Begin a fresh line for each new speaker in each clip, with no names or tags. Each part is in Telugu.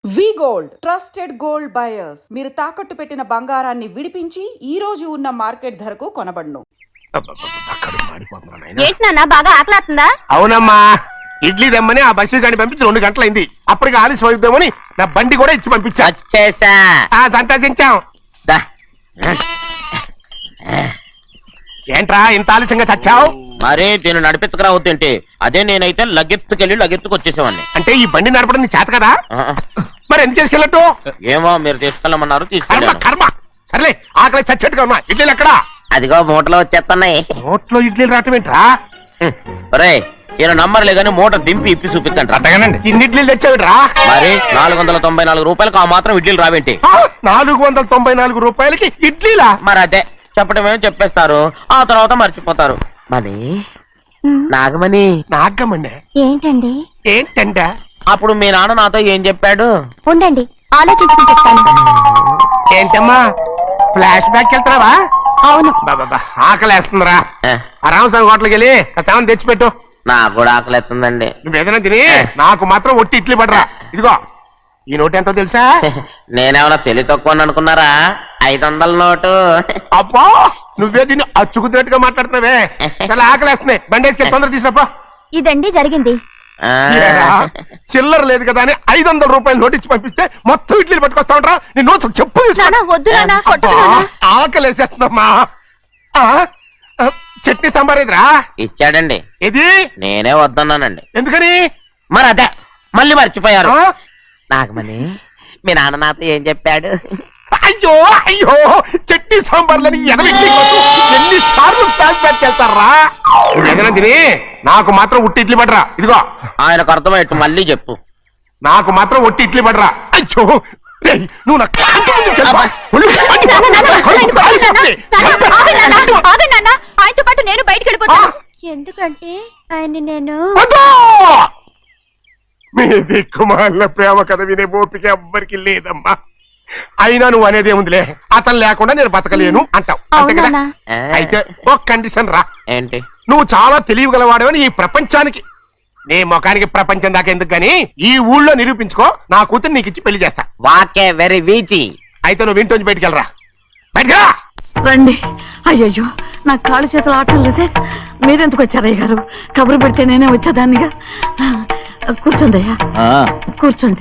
వి గోల్డ్ ట్రస్టెడ్ గోల్డ్ బయర్స్ మీరు తాకట్టు పెట్టిన బంగారాన్ని విడిపించి ఈ రోజు ఉన్న మార్కెట్ ధరకు కొనబడును.
ఏంటన్నా బాగా ఆకలాతుందా?
అవునమ్మా, ఇడ్లీ దమ్మని ఆ బస్సు గాని పంపించి 2 గంటలైంది. అప్పటికి ఆలస్యం అవుతామని నా బండి కూడా ఇచ్చి పంపించా. సంతోషించాం. ఏంట్రా ఇంత ఆలస్యంగా చచ్చావు?
మరే నేను నడిపించకరా అవుతుంటే అదే నేనైతే లగెత్తుకెళ్ళి వచ్చేసేవాడిని.
అంటే ఈ బండి నడపడం నీ చేత కదా? మరి ఎందుకు తీసుకెళ్ళట్టు?
ఏమో మీరు తీసుకెళ్ళమన్నారు,
కర్మ
తీసుకెళ్ళాను.
కర్మ. సర్లే, ఆకలి చచ్చేట్టుగా ఉన్నా. ఇడ్లీలు ఎక్కడా?
అదిగో మూటలో వచ్చేస్తున్నాయి.
నోట్లో ఇడ్లీలు రావటం ఏంట్రా?
రే ఈయన నంబర్ లేదని మూట దింపి ఇప్పి చూపించండి.
అట్టగానండి. ఇన్ని ఇడ్లీలు తెచ్చావిడ్రా?
మరి 494 రూపాయలకు ఆ మాత్రం ఇడ్లీలు రావేంటి?
494 రూపాయలకి ఇడ్లీలా?
మరి అదే చెప్పడమే చెప్పేస్తారు, ఆ తర్వాత మర్చిపోతారు. మరి నాగమణి
నాగమ్మండి
ఏంటండి?
ఏంటంట?
అప్పుడు మీ నాన్న నాతో ఏం చెప్పాడు?
ఉండండి ఆలోచించుకుని చెప్తాను.
ఏంటమ్మా ఫ్లాష్ బ్యాక్ వెళ్తున్నావా?
అవును.
బాబా ఆకలేస్తుందిరా. ఆ రామస్వామి హోటల్కి వెళ్ళి కాస్త తెచ్చిపెట్టు.
నాకు కూడా ఆకలిస్తుందండి.
నువ్వేదైనా తిని నాకు మాత్రం ఒట్టి ఇడ్లీ పడరా. ఇదిగో ఈ నోటు ఎంతో తెలుసా?
నేనేమన్నా తెలివి తక్కువ అనుకున్నారా? 500 నోటు.
అబ్బా నువ్వే దీన్ని అచ్చుకుతున్నట్టుగా మాట్లాడుతున్నావే. చాలా ఆకలేస్తున్నాయి. బండి వేసుకెళ్ళి తొందర తీసినప్పా.
ఇదండి జరిగింది.
చిల్లర లేదు కదా అని 500 రూపాయలు నోటు ఇచ్చి పంపిస్తే మొత్తం ఇడ్లీలు పట్టుకొస్తా ఉంటారా? నీ నోట్స్ చెప్పు.
వద్దు నాన్న, కొట్టకు నాన్న.
ఆకలేసేస్తుందమ్మా. చట్నీ సాంబార్ ఇదిరా?
ఇచ్చాడండి.
ఇది
నేనే వద్దన్నానండి.
ఎందుకని?
మరి అదే మళ్ళీ మర్చిపోయారు. నాగమణి మీ నాన్న నాతో ఏం చెప్పాడు?
అయ్యో అయ్యో చట్నీ సాంబార్లని ఎన్నిసార్లు ఫ్లాష్ బ్యాక్ వెళ్తారా? తిని నాకు మాత్రం ఉట్టి ఇడ్లీ పడరా. ఇదిగో
ఆయనకు అర్థమయ్యట్టు మళ్ళీ చెప్పు.
నాకు మాత్రం ఒట్టి ఇడ్లీ పడరా. అయ్యో నువ్వు నా
ఆయనతో పాటు నేను బయటకు వెళ్ళిపోతాను. ఎందుకంటే ఆయన నేను
మీ దిక్కుమాల ప్రేమ కథ వినే ఓపిక ఎవ్వరికి లేదమ్మా. అయినా నువ్వు అనేదేముందిలే, అతను లేకుండా నేను బతకలేను అంటావు అంతే కదా? అయితే ఒక కండిషన్ రా.
ఏంటి?
నువ్వు చాలా తెలియగలవాడవని ఈ ప్రపంచానికి, నీ ముఖానికి ప్రపంచం దాకా ఎందుకు గాని ఈ ఊళ్ళో నిరూపించుకో. నా కూతురు నీకు ఇచ్చి పెళ్లి చేస్తా.
వాకే వెరీ వీచి.
అయితే నువ్వు ఇంటి బయటికెళ్ళరా. బయటకెళ్ళరా.
రండి. అయ్యయ్యో నాకు కాళ్ళు చేతులు ఆటం లేదే. మీరెందుకు వచ్చారు అయ్య గారు? కబురు పెడితే నేనే వచ్చేదాన్నిగా. కూర్చోండి అయ్యా, కూర్చోండి.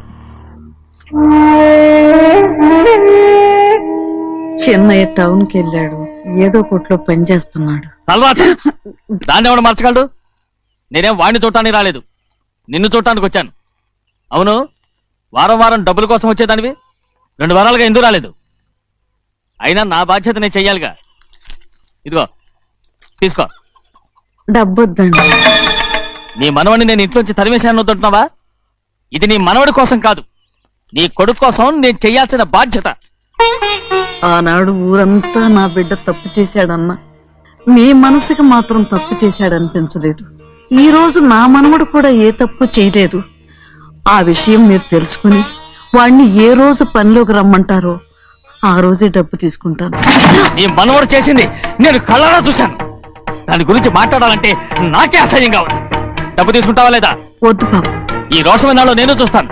చిన్నయ్య టౌన్కి వెళ్ళాడు, ఏదో కొట్లో పని చేస్తున్నాడు.
దాన్ని ఎవడు మార్చగలడు? నేనేం వాడిని చూడటానికి రాలేదు, నిన్ను చూడటానికి వచ్చాను. అవును, వారం వారం డబ్బుల కోసం వచ్చేదానివి 2 వారాలుగా ఎందుకు రాలేదు? అయినా నా బాధ్యత నేను చెయ్యాలిగా. ఇదిగో తీసుకో.
డబ్బొద్దండి.
నీ మనవడిని నేను ఇంట్లోంచి తరిమేశాను వద్దంటున్నావా? ఇది నీ మనవడి కోసం కాదు, నీ కొడుకు కోసం నేను చెయ్యాల్సిన బాధ్యత.
ఆనాడు ఊరంతా నా బిడ్డ తప్పు చేశాడన్నా, మీ మనసుకి మాత్రం తప్పు చేశాడనిపించలేదు. ఈ రోజు నా మనవడు కూడా ఏ తప్పు చేయలేదు. ఆ విషయం మీరు తెలుసుకుని వాడిని ఏ రోజు పనిలోకి రమ్మంటారో ఆ రోజే డబ్బు తీసుకుంటాను.
నీ మనవడు చేసింది నేను కళ్ళారా చూశాను. దాని గురించి మాట్లాడాలంటే నాకే అసహ్యంగా ఉంది. డబ్బు తీసుకుంటావా లేదా?
వద్దు బాబు.
ఈ రోషమైన నాలో నేను చూస్తాను.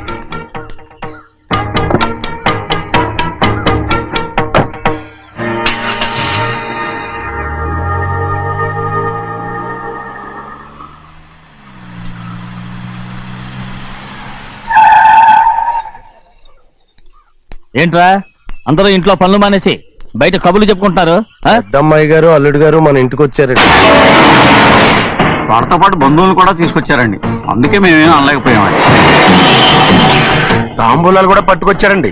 ఏంట్రా అందరూ ఇంట్లో పనులు మానేసి బయట కబుర్లు చెప్పుకుంటున్నారు?
పెద్దమ్మాయి గారు అల్లుడు గారు మన ఇంటికి వచ్చారండి.
వారితో పాటు బంధువులు కూడా తీసుకొచ్చారండి, అందుకే మేమేం అనలేకపోయామండి.
తాంబూలాలు కూడా పట్టుకొచ్చారండి.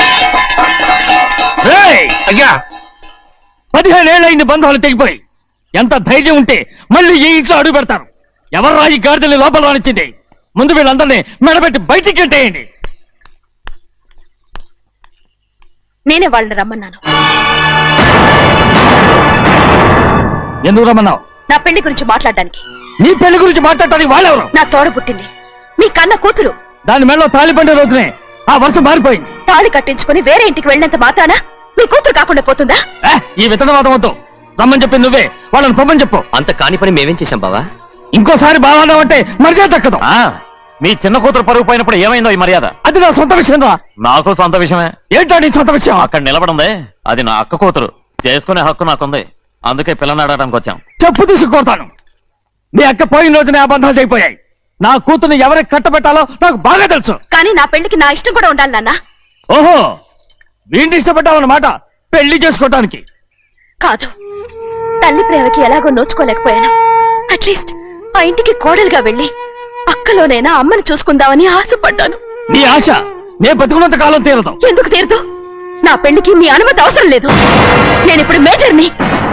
అయ్యా 15 ఏళ్ళైంది బంధాలు తెగిపోయి. ఎంత ధైర్యం ఉంటే మళ్ళీ ఈ ఇంట్లో అడుగు పెడతారు? ఎవరు రాయి గాడిదల్ని లోపల రానిచ్చింది? ముందు వీళ్ళందరినీ మెడబెట్టి బయటికి గెట్టేయండి.
నేనే వాళ్ళని రమ్మన్నాను.
ఎందుకు రమ్మన్నావు?
నా పెళ్లి గురించి మాట్లాడడానికి.
నీ పెళ్లి గురించి మాట్లాడటానికి వాళ్ళెవరు?
నా తోడ పుట్టింది, మీ కన్న కూతురు.
దాని మెడలో తాళి పండే రోజునే ఆ వర్షం మారిపోయింది.
తాళి కట్టించుకుని వేరే ఇంటికి వెళ్ళినంత మాత్రాన మీ కూతురు కాకుండా పోతుందా?
ఈ విత్తనవాదం వద్దు. రమ్మని చెప్పింది నువ్వే, వాళ్ళని పొమ్మని చెప్పు.
అంత కాని పని మేమేం చేశాం బావా?
ఇంకోసారి బాగా అంటే మర్యాద దక్కదు.
మీ చిన్న కూతురు పరుగు పోయినప్పుడు ఏమైందో ఈ మర్యాద?
అది నా సొంత విషయం రా.
నాకు సొంత విషయమే.
ఏంటో నీ సొంత విషయం?
అక్కడ నిలబడిందే అది నా అక్క కూతురు. చేసుకునే హక్కు నాకుంది. అందుకే పిల్లని అడగడానికి వచ్చాం.
చెప్పు తీసుకొడతాను. నీ అక్క పోయిన రోజునే అబద్ధాలు అయిపోయాయి. నా కూతుర్ని ఎవరికి కట్టబెట్టాలో నాకు బాగా తెలుసు.
కానీ నా పెళ్లికి నా ఇష్టం కూడా ఉండాలి నాన్న.
ఓహో, వీడిని ఇష్టపడ్డావన్నమాట పెళ్లి చేసుకోవటానికి.
కాదు, తల్లి ప్రేమకి ఎలాగో నోచుకోలేకపోయాను. అట్లీస్ట్ ఆ ఇంటికి కోడలుగా వెళ్ళి అక్కలోనైనా అమ్మని చూసుకుందామని ఆశపడ్డాను.
నీ ఆశ నే బతుకున్నంత కాలం తీరదు.
ఎందుకు తీరదు? నా పెళ్లికి మీ అనుమతి అవసరం లేదు. నేనిప్పుడు మేజర్ని.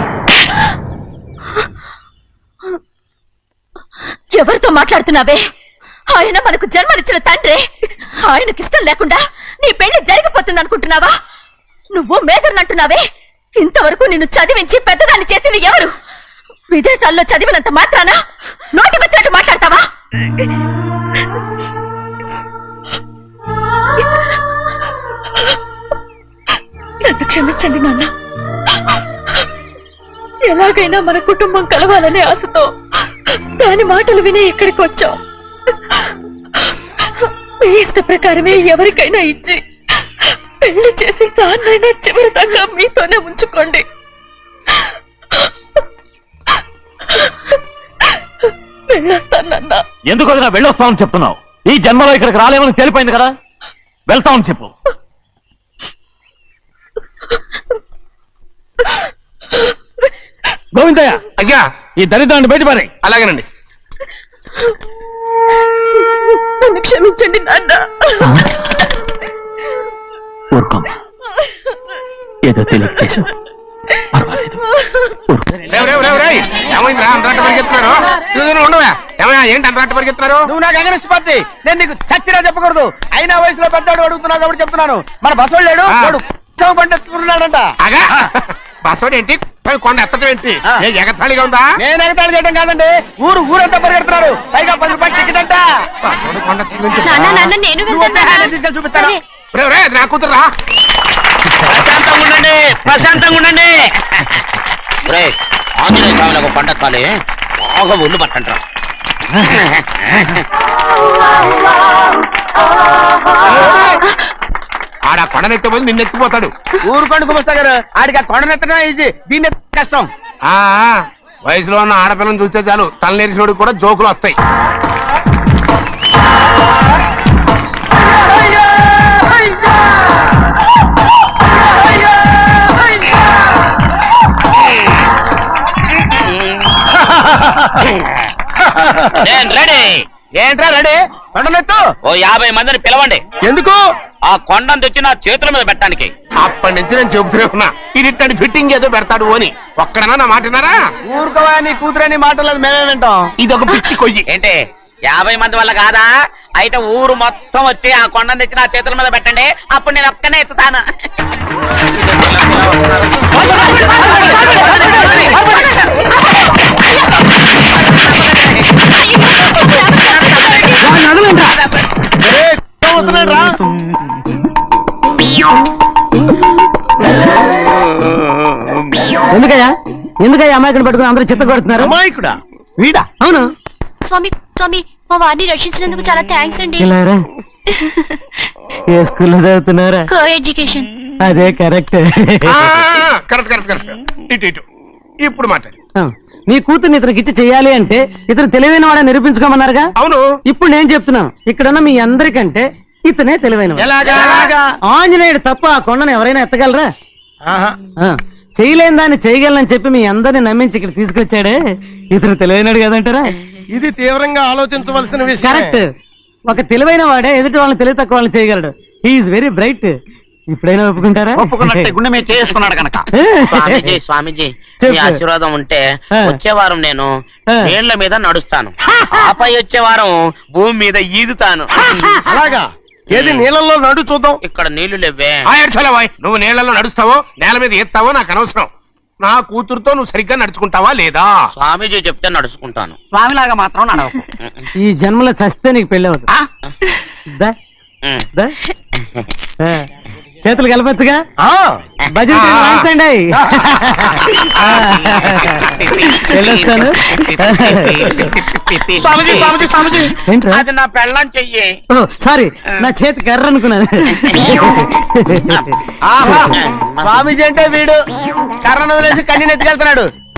ఎవరితో మాట్లాడుతున్నావే? ఆయన మనకు జన్మనిచ్చిన తండ్రి. ఆయనకిష్టం లేకుండా నీ పెళ్లి జరిగిపోతుంది అనుకుంటున్నావా? నువ్వు మేజర్ అంటున్నావే. ఇంతవరకు నిన్ను చదివించి పెద్దదాన్ని చేసింది ఎవరు? విదేశాల్లో చదివినంత మాత్రాన నోటికొచ్చినట్టు మాట్లాడతావా? నన్ను క్షమించండి నాన్న. ఎలాగైనా మన కుటుంబం కలవాలనే ఆశతో దాని మాటలు వినే ఇక్కడికి వచ్చాం. మీ ఇష్ట ప్రకారమే ఎవరికైనా ఇచ్చి పెళ్లి చేసి దాన్నైనా చివరి దాకా మీతోనే ఉంచుకోండి. వెళ్ళొస్తానన్నా.
ఎందుకు వదినా వెళ్ళొస్తామని చెప్తున్నావు? ఈ జన్మలో ఇక్కడికి రాలేమని తెలిపోయింది కదా. వెళ్తామని చెప్పు.
గోవిందయ్య,
అయ్యా,
ఈ దరిద్రాన్ని బయటపడే.
అలాగేనండి.
నన్ను క్షమించండి నాన్న.
ఊరుకోమ్మా, ఏదో తెలియక చేసావు, పర్వాలేదు.
ఏమైందిరా అంతరాట పరిగెత్తున్నారు? ఉండవా? ఏమయ్యా, ఏంటి అంతరాట పరిగెత్తున్నారు?
నువ్వు నాకు అగనిస్ట్ పార్టీ. నేను నీకు చచ్చినా చెప్పకూడదు. అయినా వయసులో పెద్దవాడు అడుగుతున్నావు కాబట్టి చెప్తున్నాను. మన బసవాడు లేడు, వాడు పండుతున్నాడంట.
అగా బసోడు ఏంటి? కొండ ఎత్తడం ఏంటి? ఏ ఎగతాళిగా ఉందా?
నేను ఎగతాళి చేయడం కాదండి, ఊరంతా పరిగెడుతున్నారు. పైగా 10 రూపాయలు టికెట్ అంట.
బసోడు కొండ
నేను
నువ్వు వచ్చే హ్యాండ్ తీసుకెళ్ళి చూపిస్తాను.
నా కూతురురా.
ప్రశాంతంగా ఉండండి, ప్రశాంతంగా ఉండండి.
ఆంజనేయ స్వామిలకు పండగ కాలే బాగా ఒళ్ళు పట్టంటారా?
ఆడ కొండనెత్తిపోయి నిన్నెత్తిపోతాడు.
ఊరుకోండి కుమస్తా గారు, ఆడికి ఆ కొండనెత్తడం ఈజీ, దీన్ని కష్టం.
వయసులో ఉన్న ఆడపిల్లని చూస్తే చాలు తలనేరిసినోడికి కూడా జోకులు వస్తాయి.
నేను రెడీ.
ఏంట్రా రెడీ? కొండనెత్తు.
ఓ 50 మందిని పిలవండి.
ఎందుకు?
ఆ కొండను తెచ్చి నా చేతుల మీద పెట్టడానికి.
అప్పటి నుంచి నేను చెబుతూనే ఉన్నా, ఇది ఫిట్టింగ్ ఏదో పెడతాడు అని. ఒక్కడనా నా మాట విన్నారా?
ఊరుకోవా, నీ కూతురని మాటలేదు, మేమే వింటాం.
ఇది ఒక పిచ్చి కొయ్యి.
ఏంటి 50 మంది వల్ల కాదా? అయితే ఊరు మొత్తం వచ్చి ఆ కొండను తెచ్చి నా చేతుల మీద పెట్టండి. అప్పుడు నేను ఒక్కనే ఎత్తుతాను.
ఎందుకయ్యా అమాయకుని పట్టుకుని అందరూ చిత్త కొడుతున్నారు?
అమాయకుడా?
వీడా? అవును.
స్వామి స్వామి, మా వారిని రక్షించినందుకు చాలా థ్యాంక్స్ అండి.
ఏ స్కూల్లో చదువుతున్నారా?
Co education.
అదే కరెక్ట్.
కరెక్ట్. ఇటు ఇప్పుడు మాట్లాడి.
నీ కూతుర్ని ఇతనికి ఇచ్చి చెయ్యాలి అంటే ఇతను తెలివైన వాడని నిరూపించుకోమన్నారుగా.
అవును.
ఇప్పుడు నేను చెప్తున్నాను, ఇక్కడున్న మీ అందరికంటే ఇతనే తెలివైన వాడు.
ఎలాగా?
ఆంజనేయుడు తప్ప ఆ కొండను ఎవరైనా ఎత్తగలరా? చేయలేని దాన్ని చేయగలనని చెప్పి మీ అందరిని నమ్మించి ఇక్కడ తీసుకొచ్చాడే, ఇతను తెలివైనడు కదంటారా?
ఇది తీవ్రంగా ఆలోచించవలసిన విషయం.
కరెక్ట్. ఒక తెలివైన వాడే ఎదుటి వాళ్ళని తెలివి తక్కువ వాళ్ళని చేయగలడు. He's very bright. ఇప్పుడైనా ఒప్పుకుంటారా?
ఒప్పుకున్నట్టే గుండె మీద చేసుకున్నాడు కనుక. స్వామీజీ స్వామీజీ
చెప్పు.
మీ ఆశీర్వాదం ఉంటే
ఆ.
వచ్చే వారం నేను
ఆ.
నీళ్ల మీద నడుస్తాను, ఆపై వచ్చే వారం భూమి మీద ఈదుతాను.
అలాగా ఏది నీళ్ళల్లో నడు చూద్దాం.
ఇక్కడ నీళ్లు లేవే.
నువ్వు నీళ్ళలో నడుస్తావో నేల మీద ఎత్తావో నాకు అనవసరం. నా కూతురుతో నువ్వు సరిగ్గా నడుచుకుంటావా లేదా?
స్వామీజీ చెప్తే నడుచుకుంటాను, స్వామిలాగా మాత్రం నడవకు.
ఈ జన్మలో చస్తే నీకు పెళ్ళి అవుతుంది. దా,
ఉమ్.
దా. ఆ, చేతులు కలపచ్చుగా. భజన వాయించండి. వెళ్ళొస్తాను.
స్వామీజీ స్వామీజీ స్వామీజీ
ఏంట్రా?
అది నా పెళ్ళం చెయ్యి.
ఓ, సారీ, నా చేతి కర్ర అనుకున్నాను. స్వామీజీ అంటే వీడు కర్రను వదిలేసి కన్నీ నెత్తికెళ్తున్నాడు.